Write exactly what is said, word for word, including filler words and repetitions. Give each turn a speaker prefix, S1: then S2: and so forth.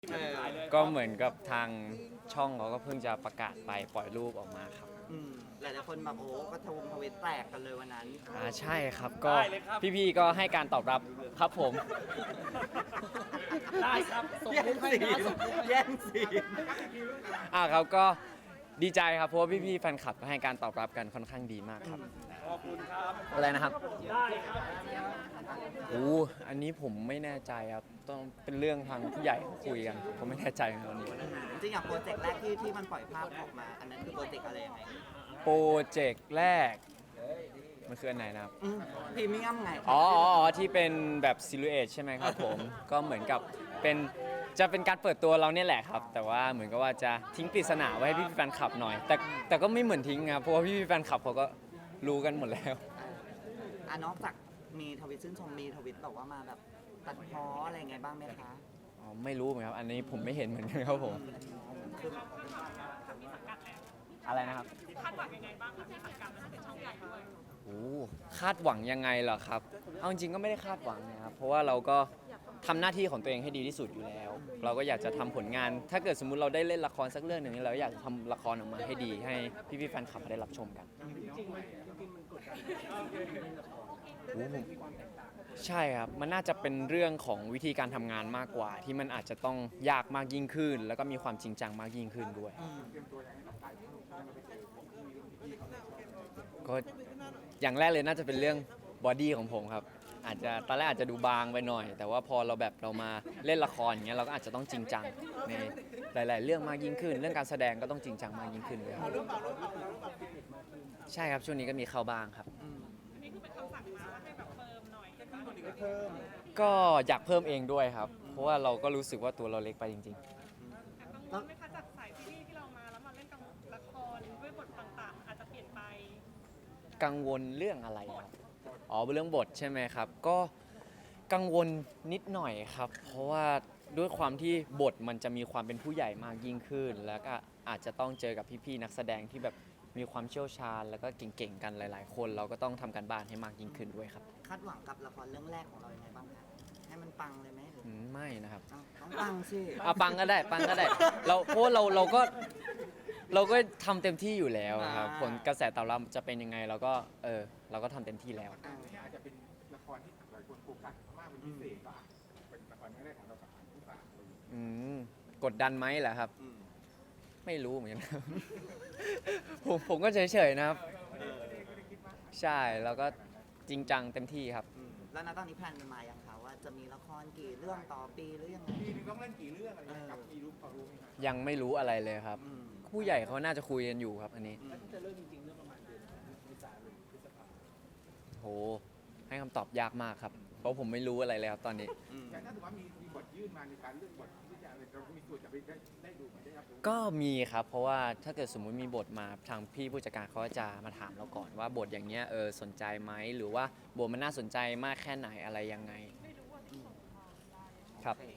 S1: เออ
S2: ก็เหมือนกับทางช่องเขาก็เพิ่งจะประกาศไปปล่อยรูปออกมาครับ
S1: อืมหลายๆคนแบบโอ้ก็ทวงทวิตแตกกันเลยวันนั้น
S2: อ่าใช่ครับก็พี่ๆก็ให้การตอบรับครับผม
S3: ได้ครับส่ง
S1: แย่
S3: รู
S1: ง
S3: ปให้
S1: สี
S3: นะส่งรูปให้
S1: แย่งสี
S2: อ่าครับก็ดีใจครับเพราะว่าพี่ๆแฟนคลับก็ให้การตอบรับกันค่อนข้างดีมากครับ
S3: ขอบคุณครับ
S2: อะไรนะครับ
S3: ได้ครับ
S2: โอ้อันนี้ผมไม่แน่ใจครับต้องเป็นเรื่องทางผู้ใหญ่เขาคุยกันผมไม่แน่ใจในตอนนี้
S1: จริงๆอย่างโปรเจกต์แรกที่ที่มันปล่อยภาพออกมา อันนั้นคือโปรเจกต์อะไรยังไง
S2: โปรเจกต์แรกมันคืออันไหนนะครับ
S1: อืมพรีเมียมไง
S2: อ๋ออ๋ออ๋อที่เป็นแบบซิลูเอทใช่ไหมครับผม ก็เหมือนกับเป็นจะเป็นการเปิดตัวเราเนี่ยแหละครับ แต่ว่าเหมือนกับว่าจะทิ้งปริศนาไว้ให้พี่ๆแฟนคลับหน่อย แต่แต่ก็ไม่เหมือนทิ้งครับเพราะว่าพี่ๆแฟนคลับเขาก็รู้กันหมดแล้ว
S1: อ่ะนอกจากมีทวิตชื่นชมมีทวิตแบบว่ามาแบบตัดพ้ออะไรไงบ้างไหมคะ
S2: อ๋อไม่รู้เหมือนกันครับอันนี้ผมไม่เห็นเหมือนกันครับผม
S1: คือ
S2: อะไรนะครับ
S4: คาดหวังยังไงบ้างคะที่สังกัดมันจะเป็นช่องใหญ่ด้วย
S2: โอ้คาดหวังยังไงเหรอครับเอาจริงๆก็ไม่ได้คาดหวังนะครับเพราะว่าเราก็ทำหน้าที่ของตัวเองให้ดีที่สุดอยู่แล้ว เราก็อยากจะทำผลงาน ถ้าเกิดสมมุติเราได้เล่นละครสักเรื่องหนึ่งเราอยากจะทำละครออกมาให้ดีให้พี่ๆแฟนคลับได้รับชมกัน
S3: จริงๆมันจริงๆมันกดดันเล่นละคร
S2: โอ้ผมใช่ครับ มันน่าจะเป็นเรื่องของวิธีการทำงานมากกว่า ที่มันอาจจะต้องยากมากยิ่งขึ้น แล้วก็มีความจริงจังมากยิ่งขึ้นด้วย ก็อย่างแรกเลยน่าจะเป็นเรื่องบอดี้ของผมครับ อาจจะตอนแรกอาจจะดูบางไปหน่อย แต่ว่าพอเราแบบเรามาเล่นละครอย่างเงี้ยเราก็อาจจะต้องจริงจังในหลาย ๆ เรื่องมากยิ่งขึ้น เรื่องการแสดงก็ต้องจริงจังมากยิ่งขึ้นด้วยครับใช่ครับช่วงนี้ก็มีเข้าบ้างครับ
S4: อันนี้คือเป็นคำสั่งมาว่าให้แบบเฟิร์มหน่อยจะต้อง
S3: เพิ่ม
S2: ก็อยากเพิ่มเองด้วยครับ เพราะว่าเราก็รู้สึกว่าตัวเราเล็กไปจริง
S4: แต่กังวลไหมคะจากสายซีรีส์ที่เรามาแล้วมาเล่นกับละครด้วยบทต่างๆ อาจจะเปลี่ยนไป
S2: ๆ กังวลเรื่องอะไรครับอ๋อเรื่องบทใช่ไหมครับ ก็กังวลนิดหน่อยครับ เพราะว่าด้วยความที่บทมันจะมีความเป็นผู้ใหญ่มากยิ่งขึ้น แล้วก็อาจจะต้องเจอกับพี่ๆนักแสดงที่แบบมีความเชี่ยวชาญ แล้วก็เก่งๆกันหลาย ๆ คน เราก็ต้องทำการบ้านให้มากยิ่งขึ้นด้วยครับ
S1: คาดหวังกับละครเรื่องแรกของเรายังไงบ้างคะให้มันปังเลยไหมหรือ
S2: อืมไม่นะครับ
S1: เอ้าต้องปังสิ
S2: เอาปังก็ได้ปังก็ได้เราเพราะว่าเราเราก็เราก็ทำเต็มที่อยู่แล้วครับผลกระแสตอบรับจะเป็นยังไงเราก็เออเราก็ทำเต็มที่แล้ว
S1: อ่า
S5: นี่อาจจะเป็นละครที่หลายคนโฟกัสมากเป็นพิเศษก็อาจจะเป็นละครเรื่องแรกของเรากับอันที่สามเลย
S2: อืมกดดันไหมเหรอครับ
S1: อืม
S2: ไม่รู้เหมือนกันครับ ผมผมก็เฉยๆนะครับ
S1: เออ
S2: ใช่แล้วก็จริงจังเต็มที่ครับ
S1: อืมแล้วณตอนนี้แพลนมันมายังคะว่าจะมีละครกี่เรื่องต่อปีหรือยังไง
S5: ปีนึงต้องเล่นกี่เรื่องอะไรเงี้ยกับมีรู้พอรู้ไหมครับ
S2: ยังไม่รู้อะไรเลยครับ
S1: อืม
S2: ผู้ใหญ่เขาน่าจะคุยกันอยู่ครับ อันนี้
S1: อืม
S3: จะเริ่มจริงๆเรื่องประมาณเดือนเมษายนพฤษภา
S2: โหให้คำตอบยากมากครับ เพราะผมไม่รู้อะไรเลยครับตอนนี้
S1: อืม
S5: แต่ถ้าถือว่ามีมีบทยื่นมาในการเลือกบทที่จะอะไรเรามีส่วนจะไปได้ได้ดูไหมได้รับรู้
S2: ก็มีครับ เพราะว่าถ้าเกิดสมมุติมีบทมาทางพี่ผู้จัดการเขาจะมาถามเราก่อนว่าบทอย่างเงี้ยเออสนใจไหมหรือว่าบทมันน่าสนใจมากแค่ไหนอะไรยังไงครับ
S1: โอเค